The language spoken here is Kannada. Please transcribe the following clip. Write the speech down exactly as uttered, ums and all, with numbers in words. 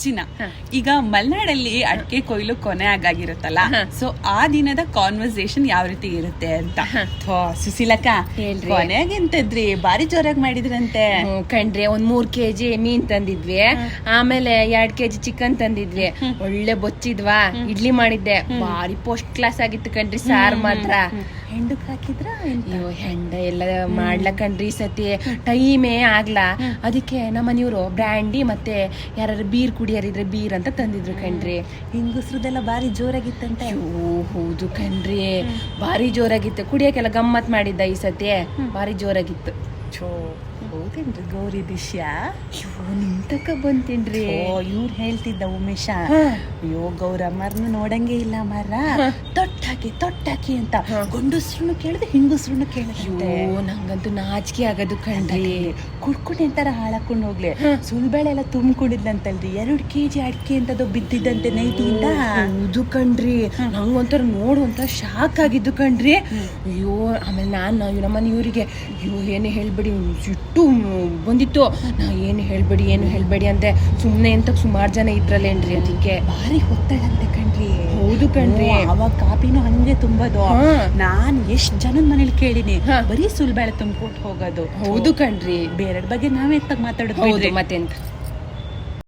ರುಚಿನ. ಈಗ ಮಲೆನಾಡಲ್ಲಿ ಅಡಿಕೆ ಕೊಯ್ಲು ಕೊನೆ ಆಗಾಗಿರುತ್ತಲ್ಲ, ಸೊ ಆ ದಿನದ ಕಾನ್ವರ್ಸೇಷನ್ ಯಾವ ರೀತಿ ಇರುತ್ತೆ ಅಂತ. ಸುಶೀಲಕ್ಕ ಕೊನೆಗೆಂತದ್ರಿ ಬಾರಿ ಜೋರಾಗಿ ಮಾಡಿದ್ರಂತೆ. ಕಣ್ರಿ ಒಂದ್ ಮೂರ್ ಕೆಜಿ ಮೀನ್ ತಂದಿದ್ವಿ, ಆಮೇಲೆ ಎರಡ್ ಕೆಜಿ ಚಿಕನ್ ತಂದಿದ್ವಿ, ಒಳ್ಳೆ ಬೊಚ್ಚಿದ್ವಾ, ಇಡ್ಲಿ ಮಾಡಿದ್ದೆ, ಬಾರಿ ಫಸ್ಟ್ ಕ್ಲಾಸ್ ಆಗಿತ್ತು ಕಣ್ರಿ. ಸಾರ್ ಮಾತ್ರ ಹೆಂಡಕ್ ಹಾಕಿದ್ರ? ಅಯ್ಯೋ ಹೆಂಡ ಎಲ್ಲ ಮಾಡ್ಲ ಕಣ್ರಿ ಸತಿ ಟೈಮೇ ಆಗ್ಲಾ. ಅದಕ್ಕೆ ನಮ್ಮ ಮನೆಯವರು ಬ್ರ್ಯಾಂಡಿ ಮತ್ತೆ ಯಾರು ಬೀರ್ ಕುಡಿಯಾರಿದ್ರೆ ಬೀರ್ ಅಂತ ತಂದಿದ್ರು ಕಣ್ರಿ. ಹಿಂಗಸ್ರದೆಲ್ಲ ಬಾರಿ ಜೋರಾಗಿತ್ತಂತೆ. ಓ ಹೌದು ಕಣ್ರಿ, ಬಾರಿ ಜೋರಾಗಿತ್ತು. ಕುಡಿಯಕ್ಕೆಲ್ಲ ಗಮ್ಮತ್ ಮಾಡಿದ್ದ ಈ ಸತಿ, ಬಾರಿ ಜೋರಾಗಿತ್ತು. ಹೌದೇನ್ರಿ ಗೌರಿ ದಿಶ್ಯ? ಅಯ್ಯೋ ನಿಂತಕ ಬಂತೇನ್ರಿ. ಇವ್ರು ಹೇಳ್ತಿದ್ದ ಉಮೇಶ, ಅಯ್ಯೋ ಗೌರಮ್ಮರ್ನ ನೋಡಂಗೆ ಇಲ್ಲ ಮರ, ತೊಟ್ಟಾಕಿ ತೊಟ್ಟಾಕಿ ಅಂತ ಗಂಡಸ್ರು ಕೇಳಿದ್ರೆ ಹಿಂಗಸ್ರು ಕೇಳಿದ್ರೆ. ಅಯ್ಯೋ ನಂಗಂತೂ ನಾಚಿಕೆ ಆಗೋದು ಕಣ್ರಿ. ಕುಡ್ಕೊಂಡು ಎಂತಾರ ಹಾಳಾಕೊಂಡು ಹೋಗ್ಲಿ, ಸುಳ್ಬೇಳೆ ಎಲ್ಲ ತುಂಬಿಕೊಂಡಿದ್ಲಂತಲ್ರಿ, ಎರಡು ಕೆಜಿ ಅಡಿಕೆ ಅಂತದ್ದು ಬಿದ್ದಿದ್ದಂತೆ ನೈಟಿಯಿಂದ. ಹೌದು ಕಣ್ರಿ, ನಂಗೊಂಥರ ನೋಡುವಂತ ಶಾಕ್ ಆಗಿದ್ದು ಕಣ್ರಿ. ಅಯ್ಯೋ ಆಮೇಲೆ ನಾನು ನಮ್ಮನೆ ಇವರಿಗೆ ಅಯ್ಯೋ ಏನು ಹೇಳ್ಬೇಡಿ ಸಿಟ್ಟು ಬಂದಿತ್ತು. ನಾ ಏನು ಹೇಳ್ಬೇಡಿ ಏನು ಹೇಳ್ಬೇಡಿ ಅಂದೆ, ಸುಮ್ಮನೆ ಅಂತ ಸುಮಾರು ಜನ ಇದ್ರಲ್ಲೇನ್ರಿ, ಅದಕ್ಕೆ ಭಾರಿ ಹೊತ್ತಳಂತೆ ಕಣ್ರಿ. ಹೌದು ಕಣ್ರಿ, ಅವಾಗ ಕಾಪಿನೂ ಹಂಗೆ ತುಂಬೋದು. ನಾನ್ ಎಷ್ಟ್ ಜನದ ಮನೇಲಿ ಕೇಳಿನಿ, ಬರೀ ಸುಳ್ಬೇಳೆ ತುಂಬಿಕೊಟ್ಟು ಹೋಗೋದು. ಹೌದು ಕಣ್ರಿ, ಬೇರೆ ಬಗ್ಗೆ ನಾವೇ ಎತ್ತಾಗ ಮಾತಾಡೋದು ಮತ್ತೆಂತ.